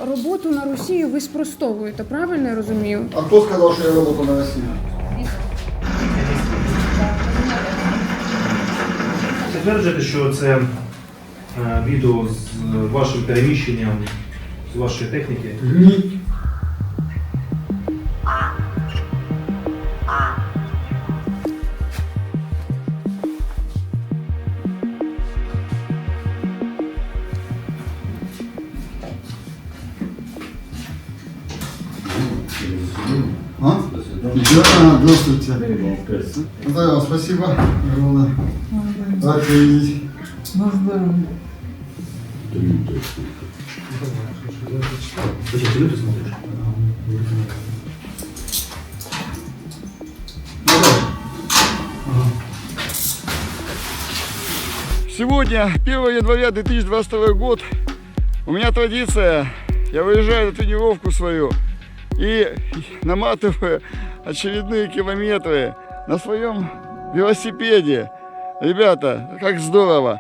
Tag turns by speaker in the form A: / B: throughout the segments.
A: роботу на Росію ви спростовуєте, правильно я розумію?
B: А кто сказал, что я работал на Россию?
C: Підтверджуєте, що це відео з вашим переміщенням, з вашої техніки?
B: Ні. А? Да, здравствуйте. Да, спасибо огромное. Рад видеть.
C: Зачем ти люди смотриш?
B: Сегодня, 1 января 2022 год, у меня традиция, я выезжаю на тренировку свою и наматываю очередные километры на своем велосипеде. Ребята, как здорово!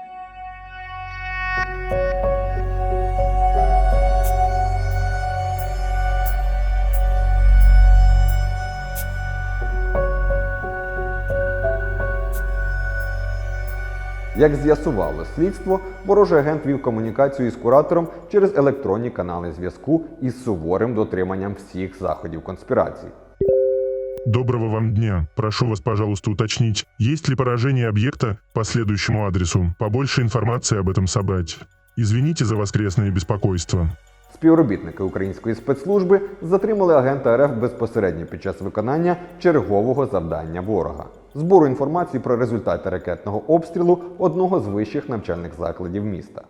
D: Як з'ясувало слідство, ворожий агент вів комунікацію із куратором через електронні канали зв'язку із суворим дотриманням всіх заходів конспірації.
E: Доброго вам дня. Прошу вас, пожалуйста, уточнить, есть ли поражение объекта по следующему адресу. Побольше информации об этом собрать. Извините за воскресное беспокойство.
D: Співробітники української спецслужби затримали агента РФ безпосередньо під час виконання чергового завдання ворога – збору інформації про результати ракетного обстрілу одного з вищих навчальних закладів міста.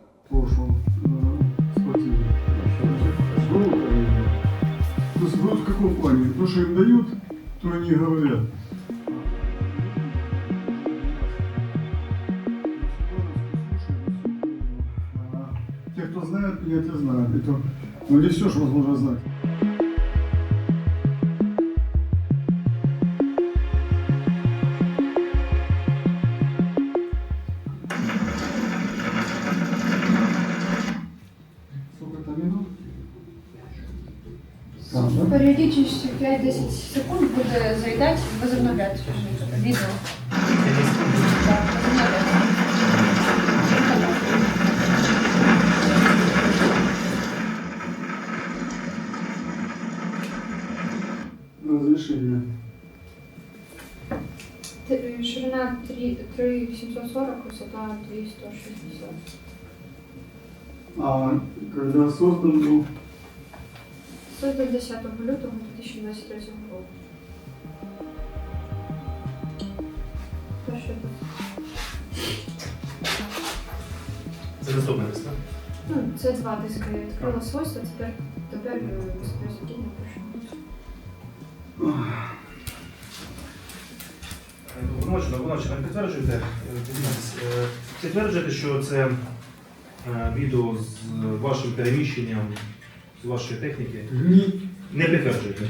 B: В каком плане? То, что им дают, то они говорят. Те, кто знает меня, те знают. Это, не все, что возможно знать. Сколько-то минут?
A: Періодично 5-10 секунд буде заїдати, возобновляти відео. Так,
B: Разрешение.
A: Ширина 3,740, висота 2,160.
B: А когда создан был?
A: Создан 10 лютого 2023 року. Перший був.
C: Це наступне диск, так?
A: Ну, це два диски. Я відкрила свойства, тепер безпосередньо напишу.
C: Вночі нам підтверджуєте, що це відео з вашим переміщенням, з вашої техніки?
B: Ні.
C: Не підтверджуєте?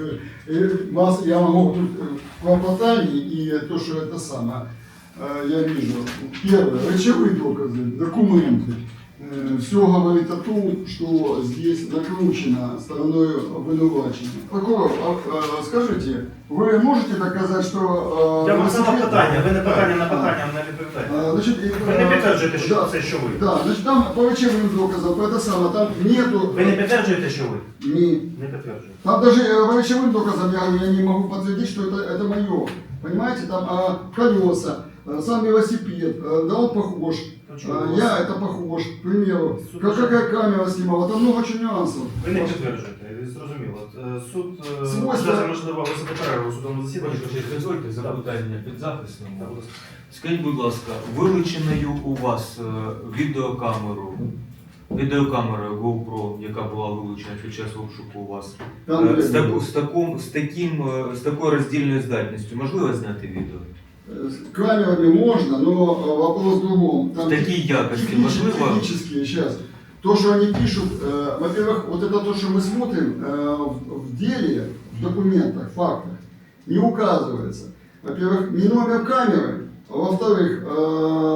B: Я могу тут клопотание и то, что это самое, я вижу. Первое, речевые доказы, документы. Все говорит о том, что здесь накручено стороной обвинувачения. Прокурор, скажите, вы можете доказать, что...
C: Я вам задав питання, ви не питання на питання не відповідаєте.
B: Значит,
C: Ви не підтверджуєте, що це що ви?
B: Да, значит, там по речевым доказам, это самое, там нету...
C: Ви не підтверджуєте, що ви?
B: Не.
C: Не підтверджуєте.
B: Там даже по речевым доказам я не могу подтвердить, что это мое. Понимаете, там колеса, сам велосипед, да он похож. Я это похож, к примеру. Какая камера снимала, там много очень нюансов.
C: Ви не підтверджуєте, зрозуміло. Суд,
B: Свойства-
C: можливо, високо перерву у судовому засіданні.
F: Дозвольте запитання підзахисному. Скажіть, будь ласка, вилученою у вас відеокамерою GoPro, яка була вилучена під час обшуку у вас,
B: Там,
F: з такою роздільною здатністю можливо зняти відео?
B: с камерами можно, но вопрос в другом. Там
F: В такій якості можливо?
B: технические, сейчас. То, что они пишут, во-первых, вот это то, что мы смотрим в деле, в документах, фактах, не указывается. Во-первых, не номер камеры, а во-вторых,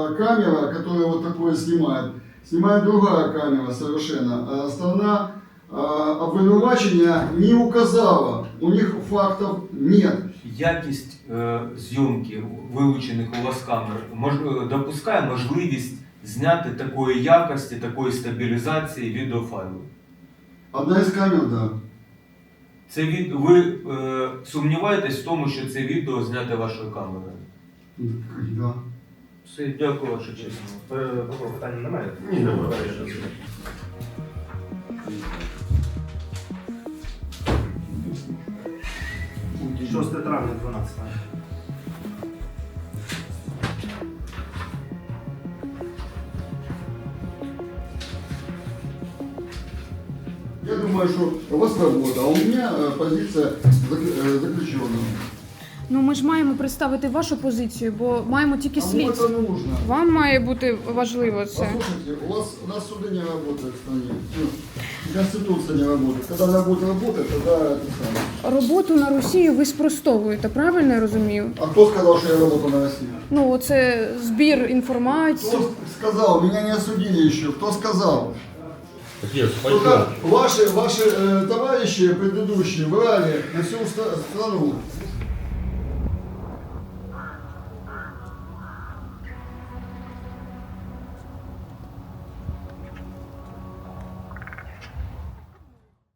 B: камера, которая вот такое снимает другая камера совершенно. Сторона обвинувачення не указало, у них фактів нет.
F: Якість зйомки вилучених у вас камер допускає можливість зняти такої якості, такої стабілізації відеофайлу?
B: Одна із камер, да.
F: Ви сумніваєтесь в тому, що це відео зняте вашою камерою?
B: Да.
F: Все, дякую, ваша честь.
C: Питання немає?
F: Ні, немає.
C: 6 травня 12.
B: Я думаю, что у вас работа, а у меня позиция заключенного.
G: Ну ми ж маємо представити вашу позицію, бо маємо тільки
B: Кому
G: слідство.
B: это нужно?
G: Вам має бути важливо це.
B: Послушайте, у нас суды не работают в стране. Ну, Конституция не работает. Когда она будет работать, тогда это самое.
G: Роботу на Росію ви спростовуєте, правильно я розумію?
B: А кто сказал, что я работаю на Россию?
G: Ну, оце збір інформації.
B: Кто сказал? Меня не осудили еще. Кто сказал?
H: Нет,
B: Только ваши товарищи предыдущие врали на всю страну.